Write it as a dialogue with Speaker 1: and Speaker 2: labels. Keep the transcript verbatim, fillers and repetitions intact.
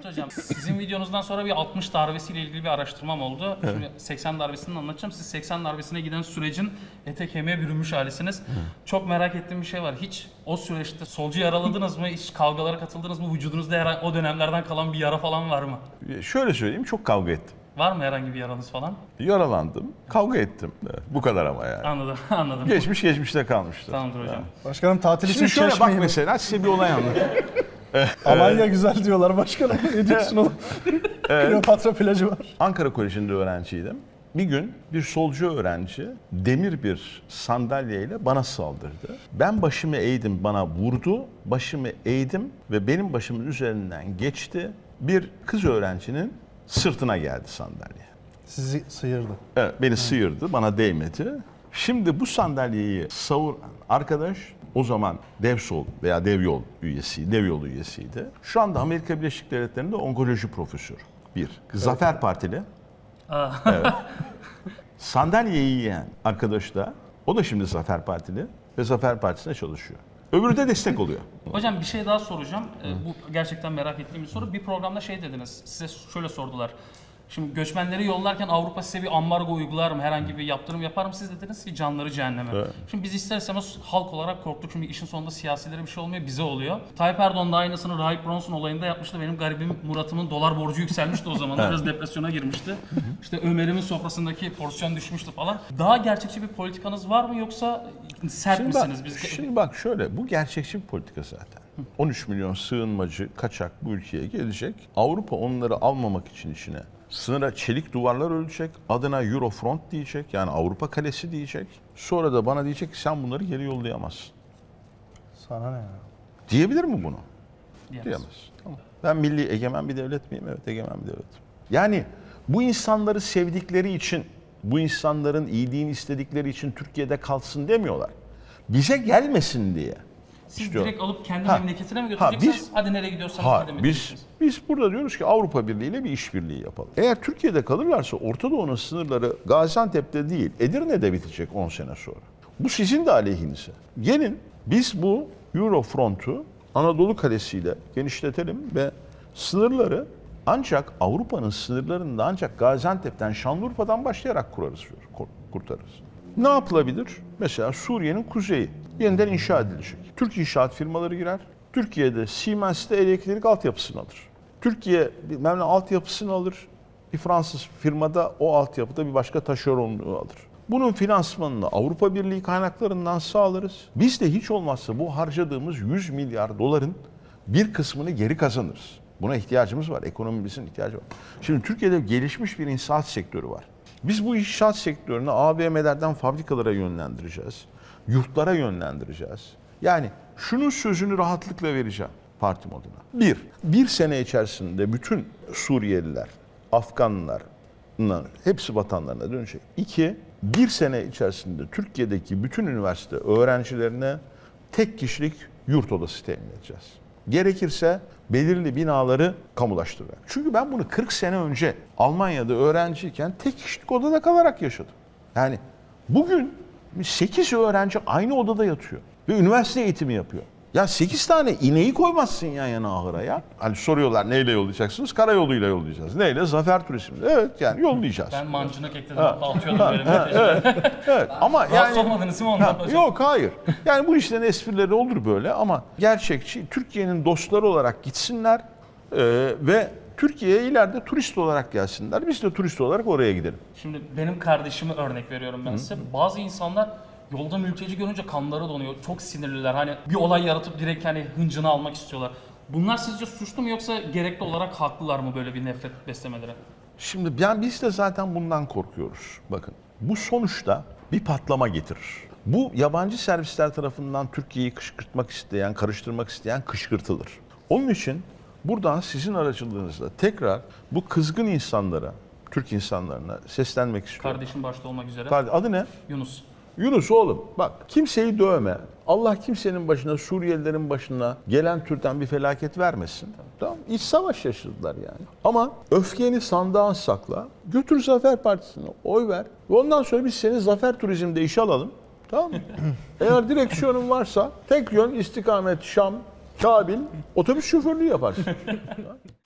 Speaker 1: söyleyeceğim. Sizin videonuzdan sonra bir altmış darbesiyle ilgili bir araştırmam oldu. Evet. Şimdi seksen darbesini anlatacağım. Siz seksen darbesine giden sürecin ete kemiğe bürünmüş halisiniz. Hı. Çok merak ettiğim bir şey var. Hiç o süreçte solcu yaraladınız mı? Hiç kavgalara katıldınız mı? Vücudunuzda herhangi o dönemlerden kalan bir yara falan var mı?
Speaker 2: Şöyle söyleyeyim, çok kavga ettim.
Speaker 1: Var mı herhangi bir yaranız falan?
Speaker 2: Yaralandım, kavga ettim. Evet, bu kadar ama yani.
Speaker 1: Anladım, anladım.
Speaker 2: Geçmiş geçmişte kalmıştır.
Speaker 1: Tamamdır hocam.
Speaker 2: Yani.
Speaker 3: Başkanım tatil için
Speaker 2: Şimdi şöyle
Speaker 3: Çeşme'yi
Speaker 2: bak
Speaker 3: mi?
Speaker 2: mesela, size bir olay anlatayım.
Speaker 3: Alanya güzel diyorlar başkanım. Ne diyorsun oğlum? Kleopatra plajı var.
Speaker 2: Ankara Koleji'nde öğrenciydim. Bir gün bir solcu öğrenci demir bir sandalyeyle bana saldırdı. Ben başımı eğdim, bana vurdu. Başımı eğdim ve benim başımın üzerinden geçti. Bir kız öğrencinin sırtına geldi sandalye.
Speaker 3: Sizi sıyırdı.
Speaker 2: Evet, beni sıyırdı, bana değmedi. Şimdi bu sandalyeyi savuran arkadaş o zaman Devsol veya Devyol üyesi, Devyol üyesiydi. Şu anda Amerika Birleşik Devletleri'nde onkoloji profesörü. Bir. Zafer evet. Partili. Evet. Sandalyeyi yiyen arkadaş da, o da şimdi Zafer Partili ve Zafer Partisi'ne çalışıyor. Öbürü de destek oluyor.
Speaker 1: Hocam bir şey daha soracağım. Ee, bu gerçekten merak ettiğim bir soru. Bir programda şey dediniz, size şöyle sordular. Şimdi göçmenleri yollarken Avrupa size bir ambargo uygular mı, herhangi bir yaptırım yapar mı? Siz dediniz ki canları cehenneme. Evet. Şimdi biz ister istemez halk olarak korktuk çünkü işin sonunda siyasilere bir şey olmuyor, bize oluyor. Tayyip Erdoğan da aynısını Rahip Bronson olayında yapmıştı. Benim garibim Murat'ımın dolar borcu yükselmişti o zaman. Biraz depresyona girmişti. İşte Ömer'imin sofrasındaki porsiyon düşmüştü falan. Daha gerçekçi bir politikanız var mı yoksa sert
Speaker 2: şimdi
Speaker 1: misiniz?
Speaker 2: Bak,
Speaker 1: Biz...
Speaker 2: Şimdi bak şöyle, bu gerçekçi bir politika zaten. on üç milyon sığınmacı, kaçak bu ülkeye gelecek. Avrupa onları almamak için içine sınıra çelik duvarlar örecek, adına Eurofront diyecek, yani Avrupa Kalesi diyecek. Sonra da bana diyecek ki sen bunları geri yollayamazsın.
Speaker 3: Sana ne ya?
Speaker 2: Diyebilir mi bunu?
Speaker 1: Diyemez.
Speaker 2: Diyemez. Tamam. Ben milli egemen bir devlet miyim? Evet, egemen bir devletim. Yani bu insanları sevdikleri için, bu insanların iyiliğini istedikleri için Türkiye'de kalsın demiyorlar. Bize gelmesin diye.
Speaker 1: Siz
Speaker 2: İstiyor.
Speaker 1: direkt alıp kendi
Speaker 2: Ha.
Speaker 1: memleketine mi
Speaker 2: Ha,
Speaker 1: götüreceksiniz?
Speaker 2: biz-
Speaker 1: Hadi nereye gidiyorsanız
Speaker 2: Ha,
Speaker 1: gidin mi
Speaker 2: biz
Speaker 1: diyeceksiniz?
Speaker 2: biz burada diyoruz ki Avrupa Birliği ile bir işbirliği yapalım. Eğer Türkiye'de kalırlarsa Orta Doğu'nun sınırları Gaziantep'te değil, Edirne'de bitecek on sene sonra. Bu sizin de aleyhinize. Gelin biz bu Eurofront'u Anadolu Kalesi'yle genişletelim ve sınırları ancak Avrupa'nın sınırlarında ancak Gaziantep'ten, Şanlıurfa'dan başlayarak kurarız, kurtarırız. Ne yapılabilir? Mesela Suriye'nin kuzeyi yeniden inşa edilecek. Türk inşaat firmaları girer. Türkiye'de Siemens'te elektrik altyapısını alır. Türkiye bilmem ne altyapısını alır. Bir Fransız firmada o altyapıda bir başka taşeronluğu alır. Bunun finansmanını Avrupa Birliği kaynaklarından sağlarız. Biz de hiç olmazsa bu harcadığımız yüz milyar doların bir kısmını geri kazanırız. Buna ihtiyacımız var. Ekonomimizin ihtiyacı var. Şimdi Türkiye'de gelişmiş bir inşaat sektörü var. Biz bu inşaat sektörünü A V M'lerden fabrikalara yönlendireceğiz. Yurtlara yönlendireceğiz. Yani şunun sözünü rahatlıkla vereceğim partim adına. Bir, bir sene içerisinde bütün Suriyeliler, Afganlar, hepsi vatanlarına dönecek. İki, bir sene içerisinde Türkiye'deki bütün üniversite öğrencilerine tek kişilik yurt odası temin edeceğiz. Gerekirse belirli binaları kamulaştırarak. Çünkü ben bunu kırk sene önce Almanya'da öğrenciyken tek kişilik odada kalarak yaşadım. Yani bugün sekiz öğrenci aynı odada yatıyor ve üniversite eğitimi yapıyor. Ya sekiz tane ineği koymazsın yan yana ahıra ya. Hani soruyorlar neyle yollayacaksınız? Karayoluyla yollayacağız. Neyle? Zafer Turizm'le. Evet yani yollayacağız.
Speaker 1: Ben mancınık ekledim, hatta atıyordum böyle mesajları.
Speaker 2: Evet, evet. Ama
Speaker 1: Rahatsız
Speaker 2: yani
Speaker 1: olmadınız mı ondan
Speaker 2: Ha,
Speaker 1: hocam?
Speaker 2: yok hayır. Yani bu işlerin esprileri olur böyle ama gerçekçi Türkiye'nin dostları olarak gitsinler e, ve Türkiye'ye ileride turist olarak gelsinler. Biz de turist olarak oraya gidelim.
Speaker 1: Şimdi benim kardeşimi örnek veriyorum ben size. Bazı insanlar yolda mülteci görünce kanları donuyor. Çok sinirliler. Hani bir olay yaratıp direkt hani hıncını almak istiyorlar. Bunlar sizce suçlu mu yoksa gerekli olarak haklılar mı böyle bir nefret beslemeleri?
Speaker 2: Şimdi yani biz de zaten bundan korkuyoruz. Bakın bu sonuçta bir patlama getirir. Bu yabancı servisler tarafından Türkiye'yi kışkırtmak isteyen, karıştırmak isteyen kışkırtılır. Onun için buradan sizin aracılığınızla tekrar bu kızgın insanlara, Türk insanlarına seslenmek istiyorum.
Speaker 1: Kardeşim başta olmak üzere.
Speaker 2: Adı ne?
Speaker 1: Yunus.
Speaker 2: Yunus oğlum bak kimseyi dövme. Allah kimsenin başına, Suriyelilerin başına gelen türden bir felaket vermesin. Tamam. İç savaş yaşadılar yani. Ama öfkeni sandığa sakla. Götür Zafer Partisi'ne oy ver. Ve ondan sonra biz seni Zafer Turizm'de işe alalım. Tamam mı? Eğer direksiyonun varsa tek yön istikamet Şam, Kabil otobüs şoförlüğü yaparsın.